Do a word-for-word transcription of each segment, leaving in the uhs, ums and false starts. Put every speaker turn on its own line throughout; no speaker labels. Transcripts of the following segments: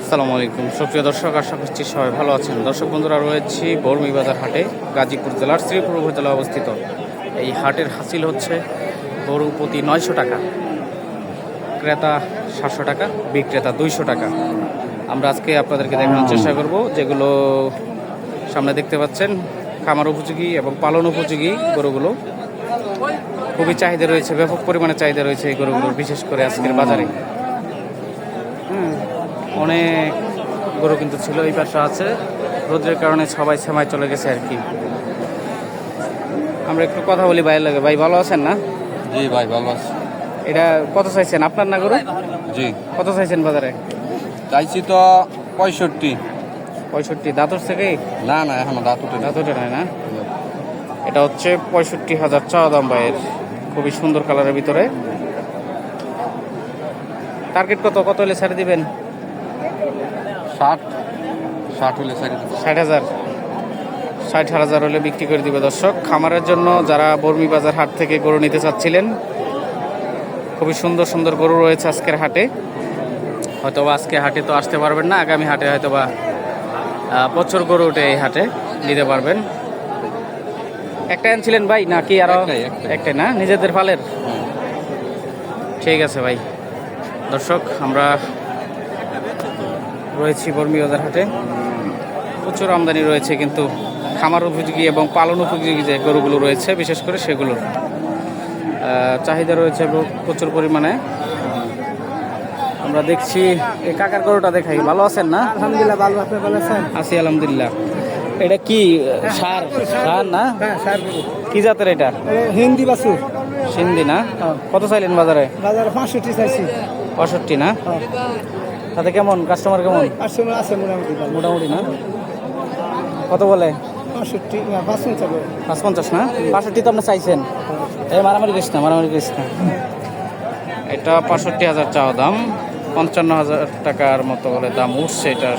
আসসালামু আলাইকুম সুপ্রিয় দর্শক, আশা করছি সবাই ভালো আছেন। দর্শক বন্ধুরা, রয়েছি বর্মি বাজার হাটে, গাজীপুর জেলার শ্রীপুর উপজেলা অবস্থিত। এই হাটের হাসিল হচ্ছে গরু প্রতি নয়শো টাকা, ক্রেতা সাতশো টাকা, বিক্রেতা দুইশো টাকা। আমরা আজকে আপনাদেরকে দেখানোর চেষ্টা করব যেগুলো সামনে দেখতে পাচ্ছেন, খামার উপযোগী এবং পালন উপযোগী গরুগুলো। খুবই চাহিদা রয়েছে, ব্যাপক পরিমাণে চাহিদা রয়েছে এই গরুগুলোর, বিশেষ করে আজকের বাজারে। হুম অনেক গরু কিন্তু ছিল, এই পাশে আছে, রোদের কারণে সবাই সেমায় চলে গেছে আর কি। আমরা একটু কথা বলি ভাইয়ের লাগে। ভাই ভালো আছেন না?
জি ভাই ভালো আছি।
এটা কত চাইছেন আপনার না গরু?
জি
কত চাইছেন বাজারে?
চাইছি তো পঁয়ষট্টি।
পঁয়ষট্টি দাঁতর থেকে?
না না এখনো দাঁত উঠে
দাঁত ওঠে নাই না? এটা হচ্ছে পঁয়ষট্টি হাজার চাওয়া দাম ভাইয়ের, খুবই সুন্দর কালারের ভিতরে। টার্গেট কত কত হলে ছেড়ে দিবেন?
ষাট ষাট হলে চারি
ষাট হাজার ষাট হাজার হলে বিক্রি করে দিবে। দর্শক, খামারের জন্য যারা বর্মি বাজার হাট থেকে গরু নিতে চাচ্ছিলেন, খুবই সুন্দর সুন্দর গরু রয়েছে আজকের হাটে। হয়তোবা আজকে হাটে তো আসতে পারবেন না, আগামী হাটে হয়তোবা প্রচুর গরু উঠে এই হাটে নিতে পারবেন। একটা আনছিলেন ভাই নাকি আরো?
একটাই, একটাই।
একটাই না, নিজেদের ফালের? ঠিক আছে ভাই। দর্শক, আমরা রয়েছি বর্মি বাজার হাটে, প্রচুর আমদানি রয়েছে, কিন্তু খামার উপযোগী এবং পালন উপযোগী যে গরুগুলো রয়েছে বিশেষ করে সেগুলোর চাহিদা রয়েছে প্রচুর পরিমাণে। আমরা দেখছি এই কাকার গরুটা দেখাই। ভালো আছেন না?
আলহামদুলিল্লাহ ভালো, আপনি ভালো আছেন?
আছি আলহামদুলিল্লাহ। এটা কি সার? সার না?
হ্যাঁ স্যার,
কি জাতের এটা?
হিন্দি বাসুর
সিন্ধি না? কত চাইলেন বাজারে?
বাজারে পাঁচষট্টি চাইছি।
পঁয়ষট্টি না? তাতে কেমন কাস্টমার কেমন?
পাঁচশো আছে মোটামুটি ভালো।
মোটামুটি না? কত বলে?
পাঁচষট্টি না পাঁচশো চাবো।
পাঁচ পঞ্চাশ না? পাঁষট্টি তো আপনি চাইছেন। এই মারামারি করিস না, মারামারি করিস না। এটা পঁয়ষট্টি হাজার চাওয়া দাম, পঞ্চান্ন হাজার টাকার মতো বলে দাম উঠছে এটার।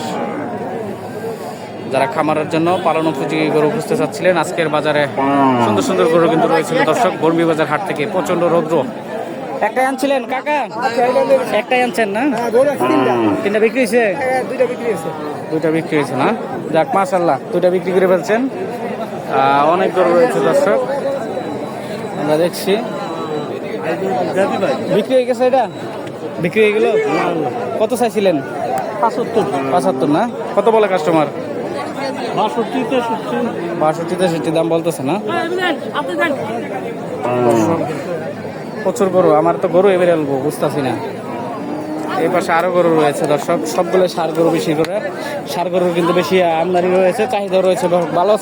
যারা খামারের জন্য পালন উপযোগী গরু খুঁজতে চাচ্ছিলেন, আজকের বাজারে সুন্দর সুন্দর গরু কিন্তু রয়েছিল। দর্শক, বর্মি বাজার হাট থেকে প্রচন্ড রৌদ্র। একটাই আনছিলেন কাকা? একটাই আনছেন না? তিনটা বিক্রি হয়েছে?
দুইটা বিক্রি হয়েছে।
দুইটা বিক্রি হয়েছে না? যাক মাশাআল্লাহ, দুইটা বিক্রি করে ফেলছেন। আহ, অনেক গরু রয়েছে দর্শক, আমরা দেখছি। বিক্রি হয়ে গেছে? এটা বিক্রি হয়ে গেল? কত চাইছিলেন?
পাঁচাত্তর।
পঁচাত্তর না? কত বলে কাস্টমার?
বাষট্টি তেষট্টি।
বাষট্টি তেষট্টি দাম বলতেছে না? প্রচুর গরু, আমার তো গরু এবারে আলবো বুঝতেছি না। এই পাশে আরো গরু রয়েছে দর্শক, সবগুলো ষাঁড় গরু, বেশি করে ষাঁড় গরুর কিন্তু বেশি আমদানি রয়েছে, চাহিদা রয়েছে। ভালো